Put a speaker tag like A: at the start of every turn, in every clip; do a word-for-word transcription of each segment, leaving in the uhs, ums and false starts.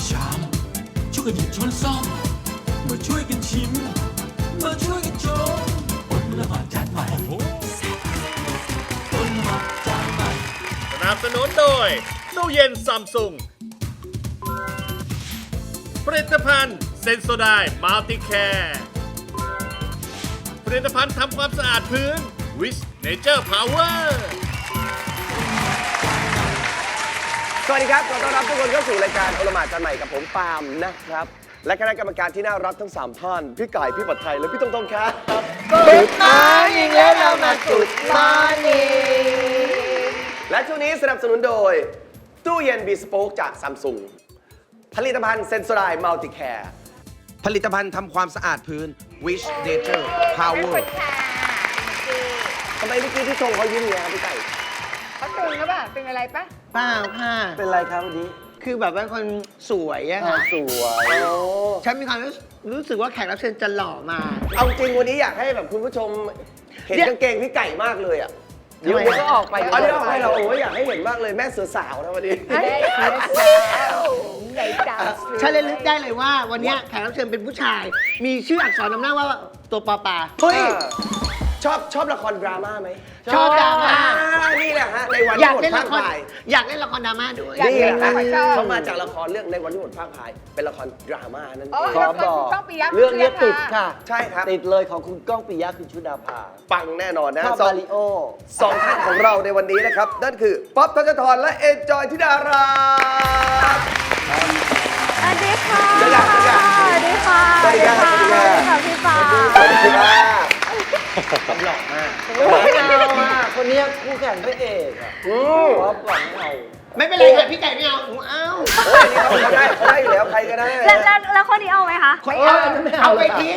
A: ชามช่วยกันหยิบช้อนซ่อมมาช่วยกันชิมมาช่วยกันชมอดละหมาดจานใหม่อดละหมาดจานใหม่
B: สนับสนุนโดยตู้เย็นซัมซุงผลิตภัณฑ์เซนโซไดมัลติแคร์ผลิตภัณฑ์ทำความสะอาดพื้นวิชเนเจอร์พาวเวอร์
C: สวัสดีครับขอต้อนรับทุกคนเข้าสู่รายการโอละหมาดจานใหม่กับผมปาล์มนะครับและคณะกรรมการที่น่ารักทั้งสามท่านพี่ไก่พี่ปัดไทยและพี่ตงตงครับ
D: กุดมอร์นิ่งแล้วเรามากุดมอร์นิ่ง
C: และช่วงนี้สนับสนุนโดยตู้เย็นบีสโป๊กจากซัมซุงผลิตภัณฑ์เซนโซไดมัลติแคร์ผลิตภัณฑ์ทำความสะอาดพื้น Wish Nature Power ทำไมเมื่อกี้ที่ชงเขายิ้มเนี่ยครับพี่ไก่
D: เขาตึงหรือเปล่าตึงอะไรปะ
E: เปล่าค่ะ
C: เป็นไรครับวันนี้
E: คือแบบเป็นคนสวยอะค่ะ
C: สวย
E: ฉันมีความรู้สึกว่าแขกรับเชิญจะหล่อมา
C: เอาจริงวันนี้อยากให้แบบคุณผู้ชมเห็นกางเกงพี่ไก่มากเลยอ่ะ
E: เดี๋ยวก็ออกไป
C: เอาเดี๋ยวออกไปเราโอ้ยอยากให้เห็นมากเลยแม่เสือสาวนะวันนี้
E: ฉันเลยนึกได้เลยว่าวันนี้แขกรับเชิญเป็นผู้ชาย มีชื่ออักษรนำหน้าว่าตัวปอปา
C: เฮ้ยชอบชอบละครดราม่าไหม
E: ชอบดราม่า
C: นี่แหละฮะในวัน
E: ที่
C: หมดภาคพาย
E: อยากเล่นละครดราม่าด้วย
C: นี่แหละฮะเขามาจากละครเรื่องในวันที่หมดภาคพายเป็นละครดราม่านั่นเอง
D: ขอบอก
E: เรื่องนี้ติดค่ะ
C: ใช่ครับ
E: ติดเลยของคุณก้องปิยะคุณชุดาภา
C: ปังแน่นอนนะ
E: ชอบมาริโอ
C: สองท่านของเราในวันนี้นะครับนั่นคือป๊อปธนธรและเอ็นจอยธิดารา
F: สวัสดีค่ะ
C: สวัสดีค่ะ
F: สวัสดีค่ะ
C: สวัสดีค่ะ
F: สวัสดีค่ะพี่ฟ้า
C: สวัสดีค่ะ
E: หล่อมากหล่อมากคนนี้คู่แข่งพระเอกอ่ะป๊อปหวังเอาไม่เป็นไรค่ะพี่ไก่ไม่เอาหนูเอา
C: เขาได้เขาได้อยู่แล้วใครก็ได้
F: แล้วแล้วคนนี้เอาไหมคะ
E: ไม่เอาเอาไปทิ้ง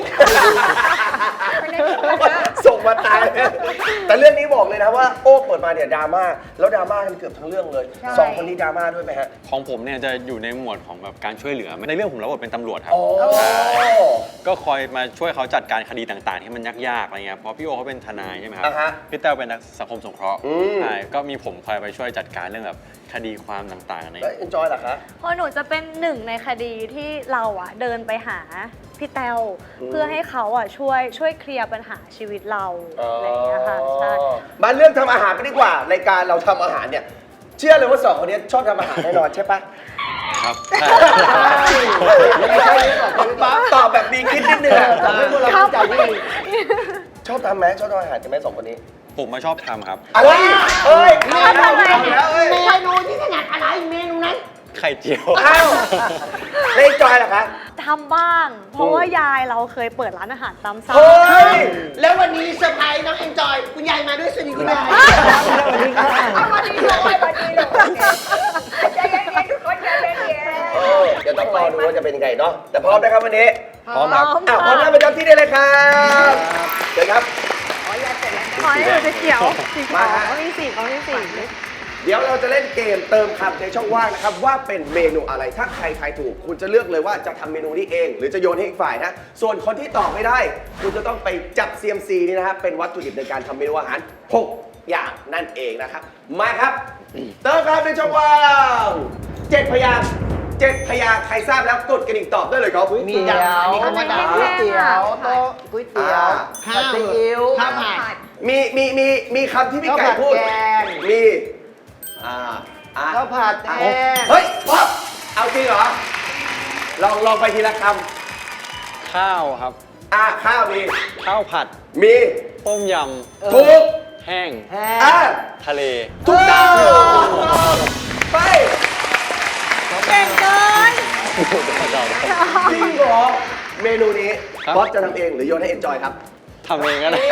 C: ส่งมาตายแต่เรื่องนี้บอกเลยนะว่าโอ้เปิดมาเนี่ยดราม่าแล้วดราม่ากันเกือบทั้งเรื่องเลยสองคนนี้ดราม่าด้วยไหมฮะ
G: ของผมเนี่ยจะอยู่ในหมวดของแบบการช่วยเหลือในเรื่องผมรับบทเป็นตำรวจครับก็คอยมาช่วยเขาจัดการคดีต่างๆที่มันยากๆอะไรเงี้ยเพราะพี่โอเขาเป็นทนายใช่ไหมครับพี่เต้าเป็นนักสังคมสงเคราะห์ใช่ก็มีผมคอยไปช่วยจัดการเรื่องแบบคดีความต่างๆใน
C: แล้วเอ็นจอยเหรอคะ
F: เพราะหนูจะเป็นหนึ่งในคดีที่เราอ่ะเดินไปหาพี่แต้วเพื่อให้เขาอ่ะช่วยช่วยเคลียร์ปัญหาชีวิตเราอะไรอย่างเงี้ยค่ะใช่
C: มาเรื่องทำอาหารกันดีกว่ารายการเราทำอาหารเนี่ยเชื่อเลยว่าสองคนนี้ชอบทำอาหารแน่นอนใช่ปะ
G: ครับ
C: ไม่ใช่ตอบแบบมีคิดนิดนึงทำให้พวกเราเข้าใจไม่ดีชอบทำไหมชอบทำอาหารกันไหมสองคนนี้
G: ผมมาชอบทำครับ
C: อะไรเฮ้ยเมนู
E: เมนูที่ถนัดอะไรเมนูนั้น
G: ไข่เจียว
C: อ้าวเล่นจอยเหรอคะ
F: ทำบ้างเพราะว่ายายเราเคยเปิดร้านอาหารตามสั่ง
E: แล้ววันนี้เซอร์ไพรส์น้องเอ็นจอยคุณยายมาด้วยสวัสดีคุณยาย
D: สวัสดีค่ะสวัสดีเลยสวัสดีเลยใจเย็นๆทุกคนใจเย็นๆ
C: เดี๋ยวต้องรอดูว่าจะเป็นยังไงเนาะแต่พร้อมนะครับวันนี้
G: พร้อมครับ
C: อ้าวพร้อมแล้วประจำที่ได้เลยครับเชิญครับ
F: ขอให้หนูจะเขียวสีขาวเขามีสีเขามีสี
C: เดี๋ยวเราจะเล่นเกมเติมคำในช่องว่างนะครับว่าเป็นเมนูอะไรถ้าใครทายถูกคุณจะเลือกเลยว่าจะทำเมนูนี้เองหรือจะโยนให้อีกฝ่ายนะส่วนคนที่ตอบไม่ได้คุณจะต้องไปจับ ซี เอ็ม ซี นี่นะครับเป็นวัตถุดิบในการทำเมนูอาหารหกอย่างนั่นเองนะครับมาครับเติมคำในช่องว่างเจ็ดพยางค์เจ็ดพยางค์ใครทราบแล้วกดกระดิ่งตอบได้เลยครับ
E: มีเตี๋ยวมีคำว่าก๋วยเตี๋ยวโต๊ะก๋วยเตี๋ยวข้าวซีอิ๊วข้าวผัด
C: มีมีมีมีคำที่พี่ไก่พูดมีอ่า
E: ข้าวผัดแห้ง
C: เฮ้ยป๊อปเอาจริงเหรอลองลองไปทีละค
G: ำข้าวครับ
C: อ่าข้าวมี
G: ข้าวผัด
C: มี
G: ต้มย
C: ำถูก
G: แห้ง
C: อ่า
G: ทะเล
C: ถูกต้องไป
F: เก่งเกิน
C: จริงเหรอเมนูนี้ป๊อปจะทำเองหรือโยนให้เอ็นจอยครับ
G: ทำเองก็ได้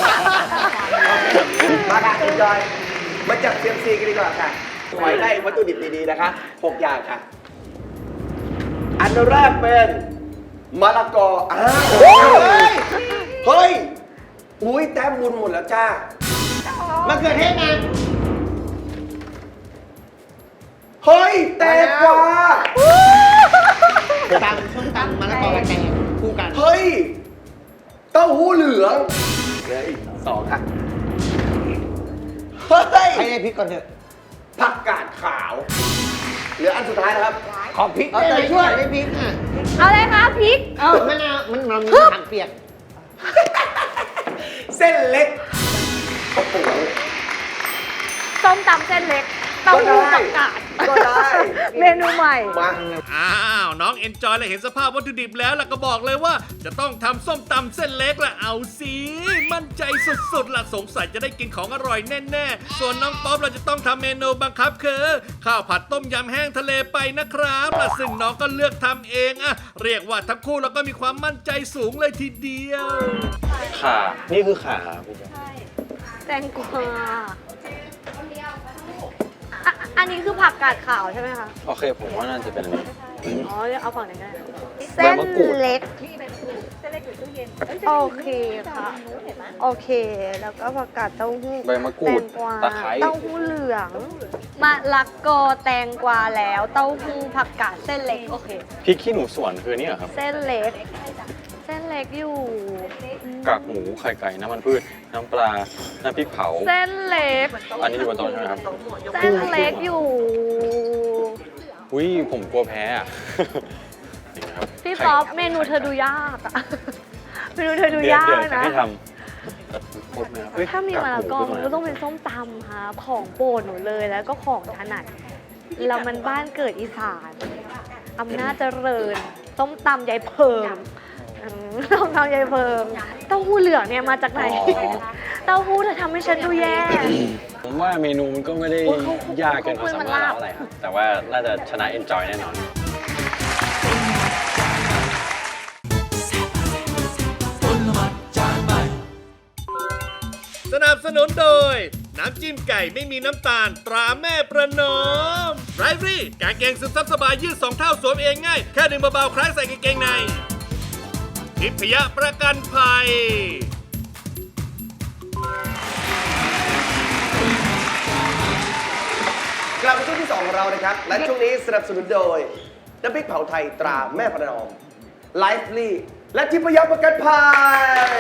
C: มาค่ะเอ็นจอยมาจับ ซี เอ็ม ซี กันดีกว่าค่ะขอให้ได้วัตถุดิบดีๆนะคะหกอย่างค่ะอันแรกเป็นมะละกออ้าวเฮ้ยอุ้ยแต้มบุญหมดแล้วจ้ามะ
E: เขือเทศนะ
C: เฮ้ยแตงกวา
E: ตำส้มตำมะละกอกับแตงคู่กัน
C: เฮ้ยเต้าหู้เหลืองเลยสองค่ะเฮ้ย
E: ให้พริกก่อนเถอะ
C: ผักกาดขาวเหลืออันสุดท้ายนะครับ
E: ขอพริกได้ไหมช่วยได้พริกอ่ะ
F: เอาเลยคะพริก
E: เอ้ามะนาวมันมันมีผักเปียก
C: เส้นเล็กโอ้โห
F: ส้มตำเส้นเล็กเต้าหู้ผักกาด
C: ก็ได้
F: เมนูใหม่
C: มา
B: อ้าวน้องเอนจอยและเห็นสภาพวัตถุดิบแล้วล่ะก็บอกเลยว่า จะต้องทำส้มตำเส้นเล็กละเอาสิมั่นใจสุดๆละสงสัยจะได้กินของอร่อยแน่ๆส่วนน้องป๊อปเราจะต้องทำเมนูบังคับคือข้าวผัดต้มยำแห้งทะเลไปนะครับและซึ่งน้องก็เลือกทำเองอะเรียกว่าทั้งคู่เราก็มีความมั่นใจสูงเลยทีเดียว
G: ขานี่คือขาพี่แจ๊ค
F: แตงกวาอ่ะอันนี้คือผักกาดขาวใช่ไหมคะ
G: โอเคผมว่าน่าจะเป็นอันนี้
F: อ๋อเอาฝั่งไหนก็ได้
G: ใบมะกรูด
F: เส้นเล็ก โอเคค่ะ โอเค แล้วก็ผักกาดเต้าหู้
G: ใบมะกรู
F: แต
G: ด
F: งกวา
G: ตะไคร้
F: เต้าหู้เหลืองมะละกอแตงกวาแล้ว เต้าหู้ผักกาดเส้นเล็ก โอเค
G: พริกขี้หนูสวนคือนี่เหรอครับ
F: เส้นเล็ก เส้นเล็กอยู่
G: กากหมูไข่ไก่น้ำมันพืชน้ำปลา น้ำพริกเผา
F: เส้นเล็ก
G: อันนี้อยู่บนโต๊ะใช่ไหมครับ
F: เส้นเล็กอยู่
G: อุ้ยผมกลัวแพ้อะนี่ครับ
F: พี่ป๊อปเมนูเธอดูยากอะ เมนูเธอดู
G: เดี๋ยวย
F: าก
G: เดี๋ยวจะ
F: นะ
G: ให้ทำครบไหมครับเฮ้ย
F: ถ้ามีมะละกอ
G: ากห
F: มัน
G: คื
F: ก็
G: ตร
F: ต้อง
G: ไหน
F: เป็นส้มตำค่ะของโปรดหนูเลยแล้วก็ของถนัดเรามันบ้านเกิดอีสานอำนาจเจริญส้มตำยายเพิงอืมส้มตำยายเพิงเต้าหู้เหลืองเนี่ยมาจากไหน เต้าหู้เธอทำให้ฉันดูแย่
G: ผมว่าเมนูมันก็ไม่ได้
F: โอ้ยเขาเขา
G: ยากเกินความสามารถเราอะไรครับ แต่ว่าน่าจะชนะ enjoy แน่นอน
B: สนับสนุนโดย น้ำจิ้มไก่ไม่มีน้ำตาลตราแม่ประนอมไรฟรี่กางเกงซึมซับสบายยืดสองเท่าสวมเองง่าย แค่ดึงเบาๆคล้ายใส่กางเกงในทิพยประกันภัย
C: กลับมาช่วงที่สองของเรานะครับ และช่วงนี้สนับสนุนโดยน้ำพริกเผาไทยตราแม่ประนอมไลฟ์ลี่และทิพยประกันภัย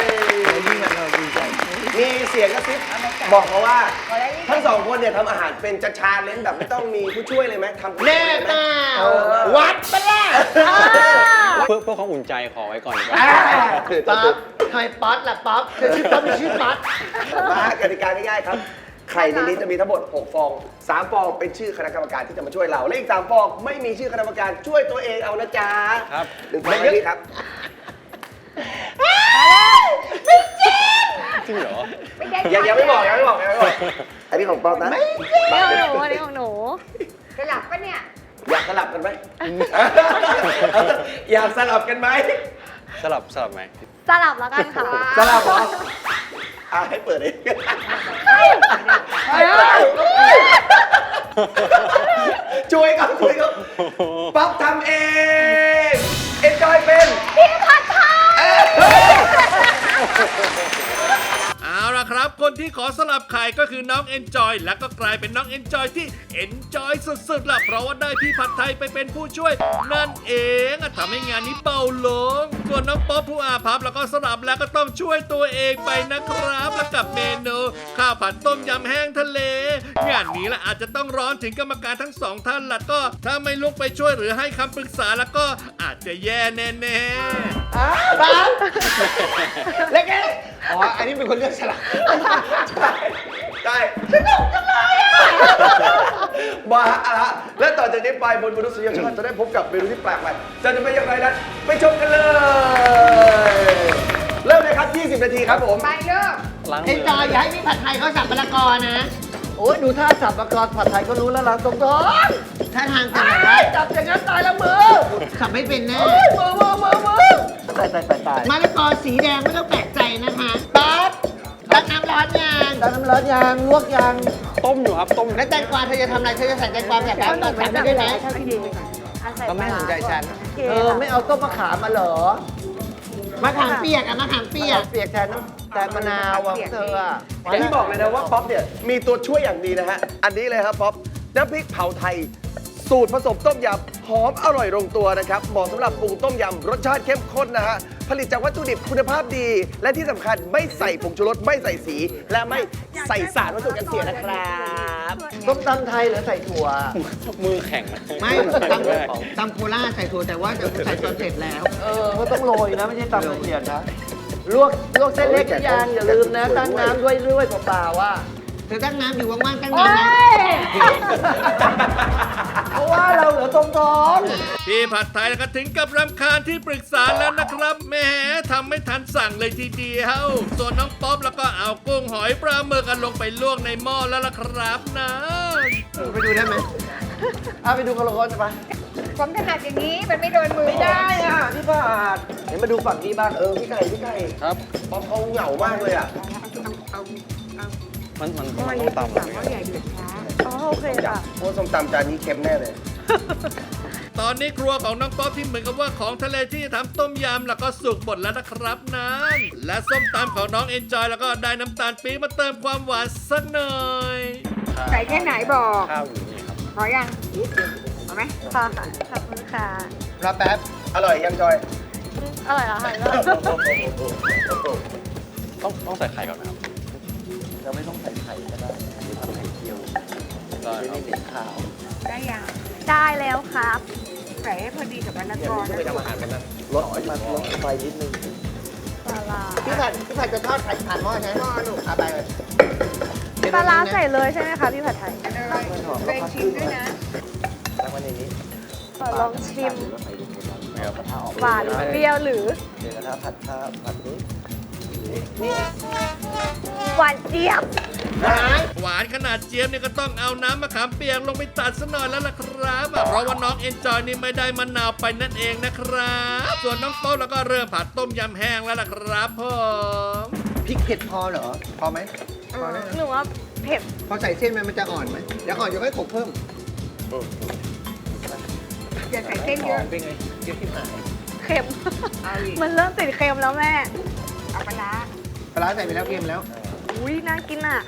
C: มีเสียงกระซิบบอกมาว่า ทั้งสองคนเนี่ยทำอาหารเป็นจะชาเลนจ์แบบไม่ต้องมีผู้ช่วยเลยไหมทำ
E: แน่เปล่าวัดปะล่ะ
G: เพื่อเพื่อความอุ่นใจขอไว้ก่อนดีกว่า
E: ป๊อปทำไมป๊อปล่ะป๊อปเธอชื่อป๊อปหรือชื่อป๊อป
C: มากติกาง่ายๆครับ ไข่ในนี้จะมีทั้งหมดหกฟองสามฟองเป็นชื่อคณะกรรมการที่จะมาช่วยเรา และอีกสามฟองไม่มีชื่อคณะกรรมการช่วยตัวเองเอานะจ๊ะ
G: ครับ
C: หนึ่งฟองอันนี้ครับ
G: จริงเหรอ
C: ยังยังไม่บอกยังไม่บอกยังไม่บอกอันนี้ของป๊อปนะ
F: นี่ของหนูอันนี้ของหนู
D: สลับปะเนี่ย
C: อยากสลับกันไหม อยากสลับกันไหม
G: สลับสลับไหม
F: สลับแล้วกันค่ะ
C: สลับเหรออ่ะให้เปิดเองช่วยกันช่วยกันป๊อปทำเองเอนจอยเป็น
F: พี่ผัดไทย
B: เอาล่ะครับ คนที่ขอสลับไข่ก็คือน้อง Enjoy และก็กลายเป็นน้อง Enjoy ที่ Enjoy สุดๆล่ะเพราะว่าได้พี่ผัดไทยไปเป็นผู้ช่วย นั่นเองอ่ะทำให้งานนี้เบาลง ส่วนน้องป๊อปผู้อาภัพแล้วก็สลับแล้วก็ต้องช่วยตัวเองไปนะครับ และกับเมนูข้าวผัดต้มยำแห้งทะเล งานนี้ละอาจจะต้องร้อนถึงกรรมการทั้งสองท่านละก็ ถ้าไม่ลุกไปช่วยหรือให้คำปรึกษาแล้วก็อาจจะแย่แน่ๆ
E: ป๊อปแล้วแกอ๋อ อันนี้เป็นคนเลือกฉลาก
C: ใช่ใช่สนุกจังเลยมาอะละและต่อจากนี้ไปบนมนุษยชาติจะได้พบกับเมนูที่แปลกใหม่จะจะเป็นอย่างไรนั้นไปชมกันเลย เริ่มเลยครับ ยี่สิบ นาทีครับผม
D: ไปเลิก
G: ล้างมื
E: เอ็นจอยอย่าให้พี่ผัดไทยเขาสับมะละกอนะ โอ้ยดูท่าสับมะละกอผัดไทยก็รู้แล้วล่ะตรงท้องท่าทางกันแบบ
C: จับอย่างนั้นตายแล้วมือ
E: สับไม่เป็นแน่
C: มือมือมือมือตายตายตายตาย
E: มะละกอสีแดงไม่ต้องแปลกใจนะคะป๊อปตักน้ำร้อนยาง
C: ตักน้ำร้อนยางลวกยาง
G: ต้มอยู่ครับต้ม
E: แล้วแตงกวาเธอจะทำอะไรเธอจะใส่แตงกวาแบบแบบแบบแบบได้ไหม
F: ถ้าพี่ดีอ่ะใส่
E: ก็ไม่สนใจฉัน
F: โอเค
C: เออไม่เอาต้มมะขามมาเหรอ
E: มะขามเปียกอะมะขามเปียก
C: เปียกแทนน้ำแทนมะนาวอ่ะเธออ่ะอย่างที่บอกเลยนะว่าป๊อปเนี่ยมีตัวช่วยอย่างดีนะฮะ อันนี้เลยครับป๊อปน้ำพริกเผาไทย สูตรผสมต้มยำหอมอร่อยลงตัวนะครับเหมาะสำหรับปรุงต้มยำรสชาติเข้มข้นนะฮะผลิตจากวัตถุดิบคุณภาพดี และที่สำคัญไม่ใส่ผงชูรสไม่ใส่สี และไม่ใส่สารวัตถุกันเสียนะครับ
E: ต้มตำไทยหรือใส่ถั่ว
G: มือแข็งนะ
E: ไม่
G: แข็ง
E: ตำ
G: มาก
E: ตำโคราชใส่ถั่วแต่ว่าจะใส่ตอนเสร็จแล้ว
H: เออก็ต้องโรยนะ ไม่ใช่ตำละเอียดนะ ลวกลวกเส้นเล็กหรือยังอย่าลืมนะ ตั้งน้ำด้วยด้วยเปล่าๆว่า
E: เธอตั้งน้ำอยู่ว่างๆตั้ง
D: โอ๊
E: น้ำนะ
D: ย
H: เพราะว่าเราเหลือตรงท้อง
B: พี่ผัดไทยก็ถึงกับรำคาญที่ปรึกษาแล้วนะครับแหมทำไม่ทันสั่งเลยทีเดียว ส่วนน้องป๊อปแล้วก็เอากุ้งหอยปลาหมึกกันลงไปลวกในหม้อแล้วล่ะครับนะ
E: ไปดูได้ไหม
H: เอาไปดูกันละคนไป
D: ผมถนัดอย่างนี้มันไม่โดนมือ
H: ไม่ได้อ่ะพี่บาทเห็นมาดูฝั่งนี้บ้างเออพี่ไก่พี่ไก่
G: ครับ
C: ป๊อปเขาเหงามากเลยอ่ะ
G: มันมันมันต้องตำเหรอ
F: อ๋อโอเคค่ะ
C: โอ้ส้มตำจานนี้เค็มแน่เลย
B: ตอนนี้ครัวของน้องป๊อปที่เหมือนกับว่าของทะเลที่ทำต้มยำแล้วก็สุกหมดแล้วนะครับนั้นและส้มตำของน้องเอนจอยแล้วก็ได้น้ำตาลปี๊บมาเติมความหวานสักหน่อย
D: ใส่แค่ไหนบอก
G: ข้าวอยู่นี่ครับ
D: พอยังเอาไหม
F: ค่ะขอบคุณค่ะ
E: รอแป๊บ
C: อร่อยยังจอย
F: อร่อยแล้วค่ะ
G: ต้องต้องใส่ไข่ก่อนนะครับ
H: เราไม่ต้องใส่ไข่ก็ได้อันนี้ทำไข่เจียว
G: ได้
H: ไม่
G: ครั
H: ได้
G: บ
H: เป็นข้าว
D: ได้ยัง
F: ได้แล้วครับ
D: ใส่ให้พอดีกับมะละกอ
C: ไม่ไปทำอาหารกันนะ
H: ลดมันลดไฟนิดนึง
F: ปลาร้า
E: พี่ผัดพี่ผัดจะทอดไข่ผ่านหม้อใช่ไหมหม้อลูกเอาไปเลย
F: ปลาร้าใส่เลยใช่ไหมคะพี่ผัดไทย
D: เลยเลยชิมด้วยนะ
H: ตั้งไว้ในนี้
F: ขอลองชิม
H: แล้วใส่ลงไปแล้วเดี๋ยวกระทะออก
F: หวานเปรี้ยวหรือ
H: เดี๋ยวกระทะผัดข้าวผัดนี้
F: หวานเจี๊ยบ
B: หวานขนาดเจี๊ยบเนี่ยก็ต้องเอาน้ำมะขามเปียกลงไปตัดซะหน่อยแล้วล่ะครับอ่ะเพราะว่าน้องเอนจอยนี่ไม่ได้มะนาวไปนั่นเองนะครับ ส่วนน้องโต๊ะแล้วก็เริ่มผัดต้มยำแห้งแล้วล่ะครับผม
E: พริกเผ็ดพอเหรอ พอไหมพอนะ
F: หนูว่าเผ็ด
E: พอใส่เส้นมันมันจะอ่อนไหมเดี๋ยวอ่อนเดี๋ยวค่อยโขลกเพิ่ม
D: อย่าใส่เส้นเยอะ
E: เป็นไงเดี๋ยวที่หาย
F: เค็ม
D: เอาอีก
F: มันเริ่มติดเค็มแล้วแม่
D: เอาปลาร้า
E: ปลาร้าใส่ไปแล้วเค็มแล้ว
F: อุ้ยน่ากินอ่ะ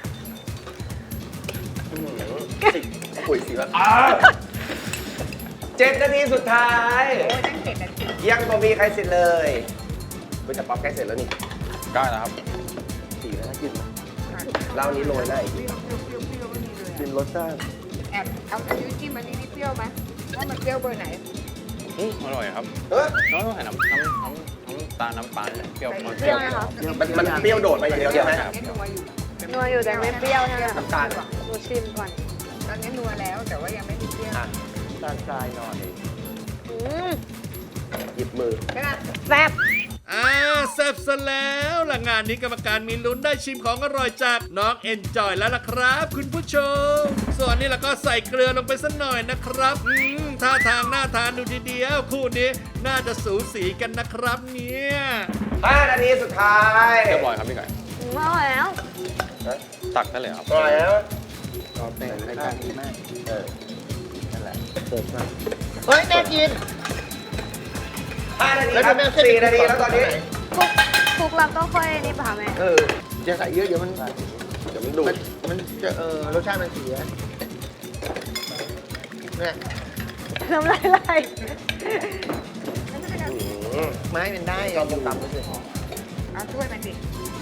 C: ปุ๋ยสีแบบเจ็ดนาทีสุดท้าย
D: โอ้ยตั้งเจ็ดนาที
C: ยังบ่มีใครเสร็จเลยเฮ้ยแต่ป๊อปใกล้เสร็จแล้วนี่
G: ได้แล้วครับ
H: สีแล้วนะกิน
C: เหล้านี้โรยหน้าอีก
D: เปรี้ยวเปรี้ยวเปรี้ยวเปรี้ยวไม่มีเลย
H: กินรสชาติ
D: แอบเอาอันนี้จิ้มอันนี้นี่เปรี้ยวไหมว่ามันเปรี้ยวเบอร์ไหน
G: อืมอร่อยครับ
C: เออ
G: น้องต้องใส่น้ำน้ำน้ำน้ำตาลน้ำปลาเนี่ยเปรี้ยวมัน
F: เปรี้ยวไหมคะ
C: มันมันเปรี้ยวโดดไปอย่างเดียวใช่ไหม
D: ตอนนี้นัวอยู่
F: นัวอยู่แต่ไม่เปรี้ยวใช่ไหม
C: น้ำตาล
F: หนูชิมก่อน
D: ตอนนี้นัวแล้วแต่ว่ายังไม่ได้เปรี้ยว
H: ตาลทรายหน่อย
F: อืม
C: หยิบมือ
D: ใช่ไหม
F: แซ่บ
B: อ่าแซ่บซะแล้วล่ะงานนี้กรรมการมีลุ้นได้ชิมของอร่อยจากน้องเอนจอยแล้วล่ะครับ คุณผู้ชม ส่วนนี้เราก็ใส่เกลือลงไปสักหน่อยนะครับอืมท่าทางน่าทานดูทีเดียวคู่นี้น่าจะสูสีกันนะครับเนี่ย
C: ห้านาทีสุดท้าย
G: เรียบร้อยครับพี่ไก่
F: อืมอร่อยแล้ว
G: ตักได้เลยครับ
C: อร่อยแล้ว
H: ตอบแต่รายการดีมาก เออ นั่นแหละเสิร์ฟมา
E: เฮ้ยแม่กิน
C: ห้านาที
E: แล้ว
C: ครับ
E: ทำไมเส้น
C: สี่นาทีแล้วตอนนี้
F: คลุกคลุกแล้วก็ค่อยนี่ป่ะแม่
E: เอออย่าใส่เยอะเดี๋ยวมัน
C: เดี๋ยวมันดู
E: มั
C: ด
E: นมันจะเออรสชาติมันเสียเนี่ย
F: น้ำลายไหล
C: อืม
E: ไม้มันได้
C: ลองตำๆดูสิ
D: เอาถ้วยมันดิ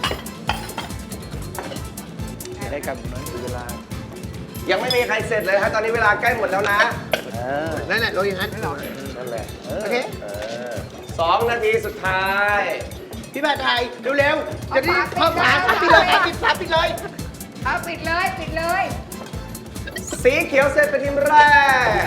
H: ได้กันน้อยเวลา
C: ยังไม่มีใครเสร็จเลยครับตอนนี้เวลาใกล้หมดแล้วนะ
H: เออ
E: นั่นแหละโรยอย่างนั้น
C: นั่นแหละ
H: เออ
E: โอเค
C: เออสองนาทีสุดท้าย
E: พี่บาทไทยเร็วๆจะได้พอฝาปิดเลยปิดฝาปิดเลย
D: เอาปิดเลยปิดเลย
C: สีเขียวเสร็จเป็นทีมแรก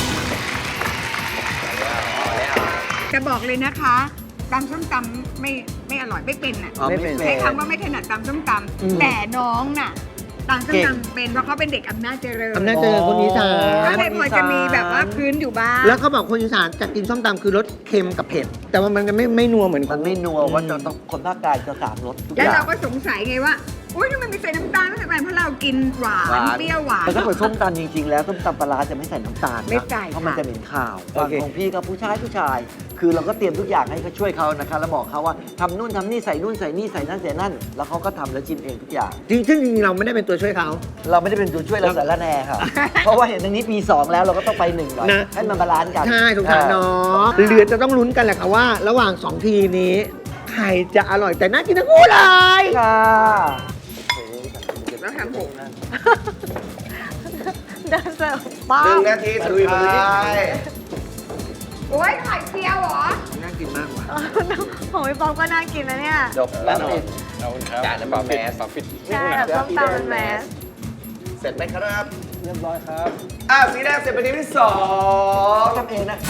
D: จะบอกเลยนะคะตำส้มตำไม่ไม่อร่อยไม่เป็นอ่ะ
H: อ๋อไม่เป็น
D: ใช้คำว่าไม่ถนัดตำส้มตำแต่น้องน่ะตำส้มตำเป็นเพราะเขาเป็นเด็กอำนาจเจริญ
E: อำนาจเจริญคนอีสาน
D: ก็เลยพอจะมีแบบว่าพื้นอยู่บ้าง
E: แล้วเขาบอกคนอีสานจะกินส้มตำคือรสเค็มกับเผ็ด แต่ว่ามันจะไม่ไม่นัวเหมือนค
H: มัน
E: น
H: ไม่นัวว่าจะต้องคนภาคกลางจะสามรสทุกอ
D: แล้ว
H: ย่า
D: เรา
H: ง
D: ก็สงสัยไงว่าอุ้ยทำไมไม่ใส่น้ำตาลไม่ใส่น้ำตาลเพราะเรากินหวานเปรี้ยวหวาน
H: แต่ถ้าเปิดส้มตำจริงๆ แล้วส้มตำปลาร้าจะไม่ใส่น้ำตาลนะ
D: ไม่ใส่
H: เพราะมัน
D: ค่ะ
H: จะเหม็นข่าว
C: โอ
H: ฝั่ง
C: เค
H: ของพี่ก็ผู้ชายผู้ชายคือเราก็เตรียมทุกอย่างให้เขาช่วยเขานะคะแล้วบอกเขาว่าทำนู่นทำนี่ใส่นู่นใส่นี่ใส่นั่นใส่นั่นแล้วเขาก็ทำแล้วชิมเองทุกอย่าง
E: จริงซึ่งจริงๆเราไม่ได้เป็นตัวช่วยเขา
H: เราไม่ได้เป็นตัวช่วยเราสารแหน่ค่ะ เพราะว่าเห็นตรงนี้ปีสองแล้วเราก็ต้องไปหนึ่งหน่อย
E: นะ
H: ให้มันบาลานซ์กัน
E: ใช่สงสารน้องเหลือจะต้องลุ้นกันแหละค่ะว่า ระหว่างสองทีมนี้ใครจะอร่อยแต่น่ากินทั้งคู่เลย
H: ค่ะ
D: แล้วทำผม
F: เดินเสิร์ฟบ้า
C: หนึ่งนาทีสุดท้าย
D: โอ้ยไข่เจียวเหรอ
E: น่ากินมากว่ะ
F: ของพี่ป๊อปก็น่ากินนะเนี่ย
H: จบแล้วปิด
G: ขอบคุณครับ
C: จานน้ำปลาแมส
G: ปลาฟิต
F: ใช่แบบส้มตำเป็นแมส
C: เสร็จไหมครับ
G: เรียบร้อยครับ
C: อ่ะสีแดงเสร็จเป็นทีมที่สอง
H: ทำเองนะคะ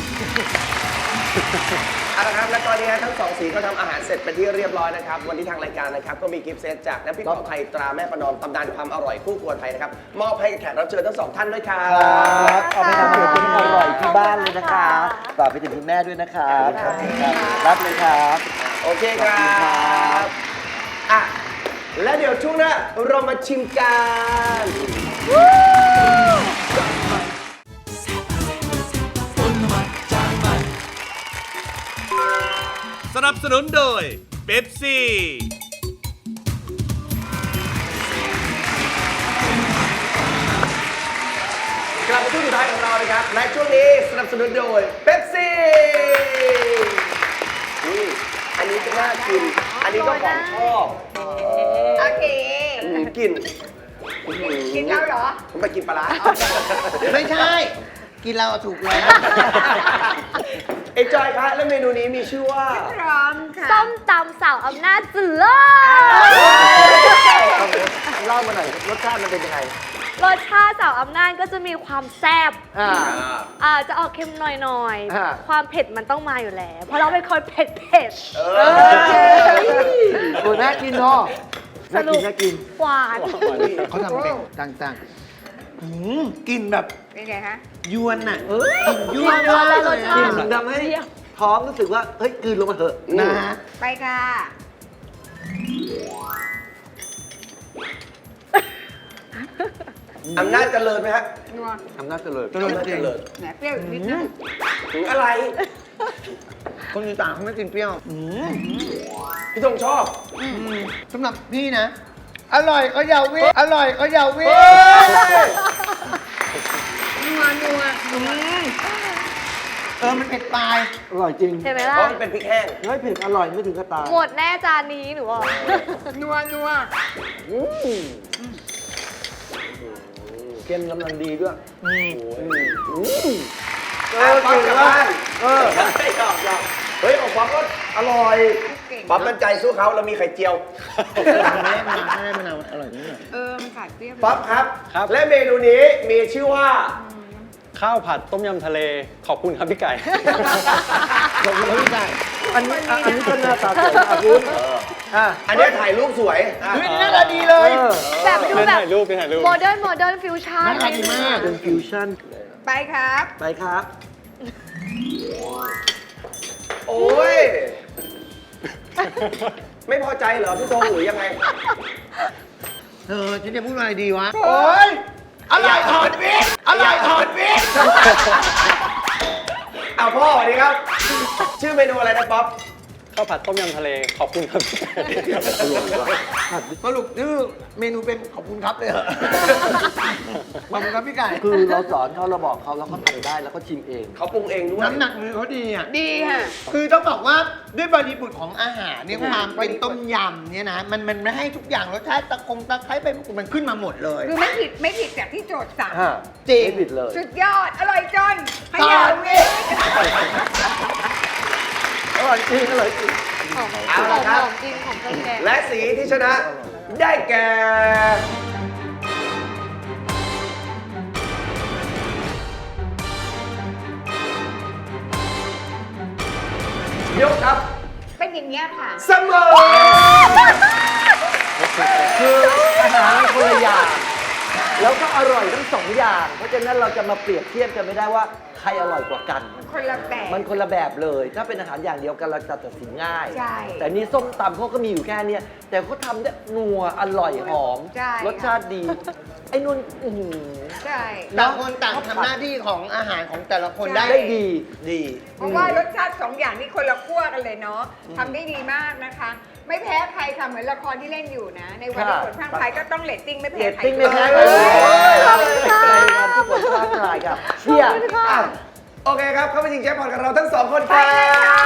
C: เอาละครับและตอนนี้ทั้งสองสีก็ทำอาหารเสร็จเป็นที่เรียบร้อยนะครับ วันนี้ทางรายการนะครับก็มีกิฟต์เซตจากน้ำพริกเผาไทยตราแม่ประนอมตำนานความอร่อยคู่ครัวไทยนะครับมอบให้แขกรับเชิญทั้งสองท่านด้วยครับ
H: ครับเอาไปทำเมนูที่อร่อยที่บ้านเลยนะคะฝากไปถึงคุณแม่ด้วยนะครับขอบคุณครับรับเลยครับ
C: โอเคครับอ่ะแล้วเดี๋ยวช่วงหน้าเรามาชิมกัน
B: สนับสนุนโดยเป๊ปซี่
C: กลับมาช่วงสุดท้ายของเรานะครับและช่วงนี้สนับสนุนโดยเป๊ปซี่นี่อันนี้ก็น่ากิน อันนี้ก็ของชอบ
D: โอเค
C: อืมกิน
D: กินแล้วเหรอ
C: ผมไปกินปลาร้า
E: ไม่ใช่ กินเราถูกแล้ว
C: เอ็นจอยครับและเมนูนี้มีชื่อว่า
D: พร้อมค่ะ
F: ส้มตำสาวอำนาจเสือ
H: เล่ามาหน่อยรสชาติมันเป็นยังไง
F: รสชาติสาวอำนาจก็จะมีความแซ่บ
H: อ่า
F: อ่าจะออกเค็มหน่อย
H: อ่า
F: ๆ ความเผ็ดมันต้องมาอยู่แล้ว เพราะเราเป็นคนเผ็ดเผ็ด
C: เอ
H: โอ้น่ากินเนาะ
F: ส
H: น่า
F: รุ
H: กิ
F: ป
H: นน่ากิน
F: หวาน
E: เขาทำเป็นต่างๆอืมกลินแบบ
D: เป็นไงฮะ
E: ยวนน่ะ
H: เอ้ย
E: กลินยั่วมากเลย
F: รสชา
H: กิ
E: อะ
H: นทำให้ท้องรู้สึกว่า เฮ้ยกลืนลงมาเถอะ
E: นะ
D: ไปค่ะ
C: อำนาจเจริญไหมฮะ
D: นัว
H: อำนาจเจริญ
E: เจริญจริง
C: เจริญ
D: แหนเปรี้ยวอีกนิดนึง
C: ถึงอะไร
E: คนอีสานเขาไม่กินเปรี้ยวอืม
C: พี่ธงชอบ
E: อืมสำหรับพี่นะ อร่อยก็อย่าวิ่งอร่อยก็อย่าวิ่ง
D: นัวนัวนัว
E: เออมันเผ็ดปลาย
H: อร่อยจริง
F: เห็นไหม
C: เพ
F: ล่ะ
C: ราะมันเป็นพริกแห้ง
H: เฮ้ยเผ็ดอร่อยไม่ถึงกระตาย
F: หมดแน่จานนี้หนูบอก
D: นัวนัว
H: เค็มกำลังดีด้วย
C: เออป๊อปกลับบ้านเออไม่ยอมยอมเฮ้ยของป๊อปก็อร่อย
D: เก่ง
C: ป๊อปมั่นใจสู้เขาเรามีไข่เจียว
E: ไม่ได้มะนาวไม่ได้มะนาวอร่อยนิดหน่อย
D: เออ มันขาดเปรี้ยว
C: ป๊อปครับ
G: ครับ
C: และเมนูนี้มีชื่อว่า
G: ข้าวผัดต้มยำทะเลขอบคุณครับพี่ไก่
E: ขอบคุณครับพี่ไก่
H: อันนี้อ่ะอันนี้ก็หน้าตาสวยนะคุณอ่ะ
C: อันนี้ถ่ายรูปสวยอ่ะ
E: เฮ้ยหน้าตาดีเลย
H: เออ
F: แบบดู
G: เป็น
F: แบบ
G: ถ่ายรูปเป็นถ่ายรูป
F: โมเดิร์นโมเดิร์นฟิวชั่น
E: หน้าตาดีมาก
H: เป็นฟิวชั่น
D: ไปครับ
H: ไปครับ
C: โอ้ย ไม่พอใจเหรอพี่ธงหรือยังไง
E: เธอฉันจะพูดอะไรดีวะ โอ้ยอร่อยถอดวิกอร่อยถอดวิก
C: เอาพ่อสวัสดีครับ ชื่อเมนูอะไรนะป๊อป
G: ข้าวผัดต้มยำทะเลขอบคุณครับพี่ไก่
E: สรุปชื่อเมนูเป็นขอบคุณครับเลยเหรอขอบคุณครับพี่ไก่
H: คือเราสอนเขาเราบอกเขาแล้วเขาทำได้แล้วก็ชิมเอง
C: เขาปรุงเองด้วย
E: น้ำหนักมือเขาดีอ่ะ
D: ดีค่ะ
E: คือต้องบอกว่าด้วยบริบทของอาหารเนี่ยความเป็นต้มยำเนี่ยนะ มันมันไม่ให้ทุกอย่างรสชาติตะคงตะไคร้ไปมันขึ้นมาหมดเลย
D: คือไม่ผิดไม่ผิดจากที่โจทย์สั่ง
E: จริง
H: ไม่ผิดเลย
D: สุดยอด อร่อยจนข
E: ต
D: ยั
E: อน
D: น
E: นี้
H: อร่อยจริงอร่อยจริง
F: หอมห
C: เอา
F: อ
C: ละ
F: ม
C: ครับ
F: หอมจริงของเครื่องแกง
C: และสีที่ชนะได้แก่ ยกครับ
D: เป็นอย่างเงี้ยค่ะ
C: เสมอ
H: คืออาหารคนละอย่างแล้วก็อร่อยทั้งสองอย่าง เพราะฉะนั้นเราจะมาเปรียบเทียบกันไม่ได้ว่าใครอร่อยกว่ากัน
D: คนละแบบ
H: มันคนละแบบเลย ถ้าเป็นอาหารอย่างเดียวกันเราจะตัดสินง่าย
D: ใช่
H: แต่นี่ส้มตำเขาก็มีอยู่แค่เนี้ยแต่เขาทำได้นัวอร่อยหอม
D: ใช่
H: รสชาติดีไอ้นุ่นอื้อหือ
D: ใช่
E: ต่างคนต่างทำหน้าที่ของอาหารของแต่ละคนได้
H: ได้ดี
E: ดี
D: เพราะว่ารสชาติสองอย่างนี้คนละขั้วกันเลยเนาะทำได้ดีมากนะคะ ไม่แพ้ใครค่ะเหมือนละครที่เล่นอยู่นะ ในวันที่ผลพรางพรายก็ต้องเรตติ้งไม่
H: เร
D: แพ้
H: ต
D: ใคร
H: ติ้งไม่แพ้ใคร
C: เฮ้ย
H: ในวันที่ผลพลาดทายครับเชียร์
C: อ่ะโอเคครับ เข้าไปชิงแจ็คพอตกับเราทั้งสองคนค
D: ไป
C: รับ
D: เลยค่ะ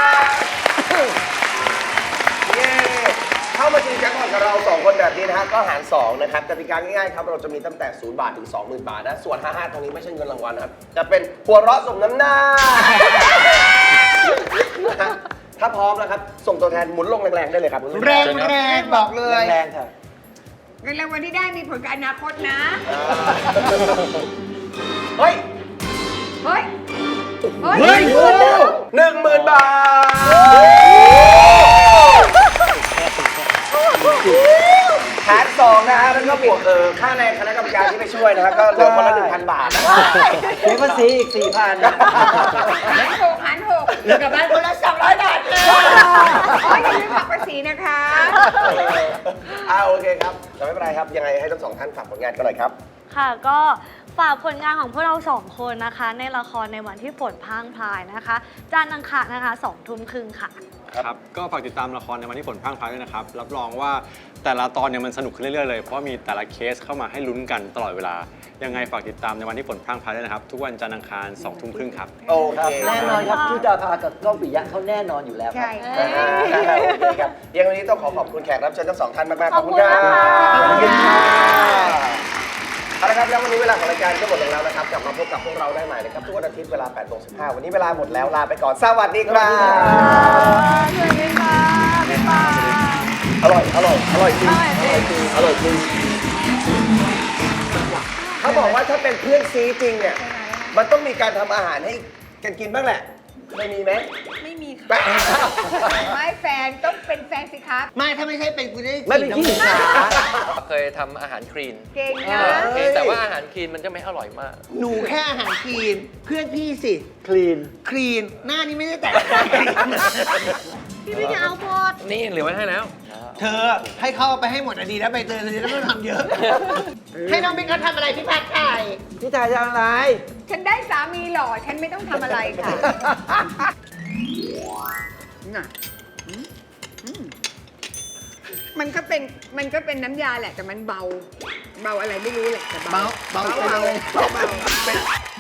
C: เย้เข้ามาชิงแจ็คพอตกับเราสองคนแบบนี้นะฮะก็หารสองนะครับกติกาง่ายๆครับเราจะมีตั้งแต่ศูนย์บาทถึง สองหมื่น บาทนะส่วนห้าสิบห้าตรงนี้ไม่ใช่เงินรางวัลนะครับจะเป็นหัวเราะสมน้ำหน้า ถ้าพร้อมนะครับส่งตัวแทนหมุนลงแรงๆได้เลยครับ
E: แรงแรงบอกเลย
H: แรงๆค่ะ
D: เงินรางวัลที่ได้มีผลกับอนาคตนะ
C: เฮ้ย
D: เฮ้ย เฮ้ย
C: เฮ้ยหนึ่งหมื่นบาทหารสองนะฮะแล้วก็บวกเออค่าแรงคณะกรรมการที่ไปช่วยนะฮะก็เหลือคนละหนึ่งพันบาทนะ
H: เสียภาษีอีกสี่พัน
D: หันหกหันหก
E: เหลือกลับบ้านคนละสองร้อยบาทเลย
D: โอ้ยอย่าลืมหักภาษีนะคะ
C: อ่าโอเคครับแต่ไม่เป็นไรครับยังไงให้ทั้งสองท่านฝากผลงานกันหน่อยครับ
F: ค่ะก็ฝากผลงานของพวกเราสองคนนะคะ ในละครในวันที่ฝนพรางพรายนะคะจานทร์อังคารนะคะสองทุ่มครึ่งค่ะ
G: ครับก็ฝากติดตามละครในวันที่ฝนพรั่งพรายด้วยนะครับ รับรองว่าแต่ละตอนเนี่ยมันสนุกขึ้นเรื่อยๆเลย เพราะมีแต่ละเคสเข้ามาให้ลุ้นกันตลอดเวลา ยังไงฝากติดตามในวันที่ฝนพรั่งพรายด้วยนะครับ ทุกวันจันทร์อังคารสองทุ่มครึ่งครับ
C: โอ
H: ค
C: เครับ
H: แน่นอนครับชุดาภากับก้องปิยะเขาแน่นอนอยู่แล้วครับ
D: ใช่
C: อ่าโอเคครับยังวันนี้ต้องขอขอบคุณแขกรับเชิญทั้งสองท่านมากๆ
F: ขอบคุณนะคะ
C: ขอบคุณค่ะเอาละครับแล้ววันนี้เวลาของรายการก็หมดลงแล้วนะครับกลับมาพบกับพวกเราได้ใหม่นะครับทุกวันอาทิตย์เวลาแปดโมงสิบห้าวันนี้เวลาหมดแล้วลาไปก่อนสวัสดีครับ
F: สวัสดีค่ะบ๊ายบาย
C: อร่อยอร่อยอร่อยจริงอร่อยจริงอร่อยจริงเขาบอกว่าถ้าเป็นเพื่อนซีจริงเนี่ยมันต้องมีการทำอาหารให้กันกินบ้างแหละไม่มีไหม
D: ไม่มีค่ะ
C: แป๊ะ
D: ไม่แฟนต้องเป็นแฟนสิคะ
E: ไม่ถ้าไม่ใช่เป็นกูได้
H: ไม่เป็นขี้
E: ฉีด
H: ขา
I: เคยทำอาหารคลีน
D: เก่งนะ
I: เพียงแต่ว่าอาหารคลีนมันจะไม่อร่อยมาก
E: หนูแค่อาหารคลีน เพื่อนพี่สิ
H: คลีน
E: คลีน หน้านี้ไม่ได้แต่ง
F: พี่ไม่จะเอาพอด
I: นี่เหลือไว้ให้แล้ว
E: เธอให้เข้าไปให้หมดอะดีแล้วใบเตยเธอจะไม่ต้องทำเยอะ ให้น้องเป็นเขาทำอะไรพี่พัดไทย
H: พี่ชายจะอะไร
D: ฉันได้สามีหล่อ ฉันไม่ต้องทำอะไรค่ะน่ะอืมอืมมันก็เป็น มันก็เป็นน้ำยาแหละ แต่มันเบา เบาอะไรไม่รู้แหละแต่เบา
E: เบาเบา
D: เบา
E: ไปเลย
D: เบาเบา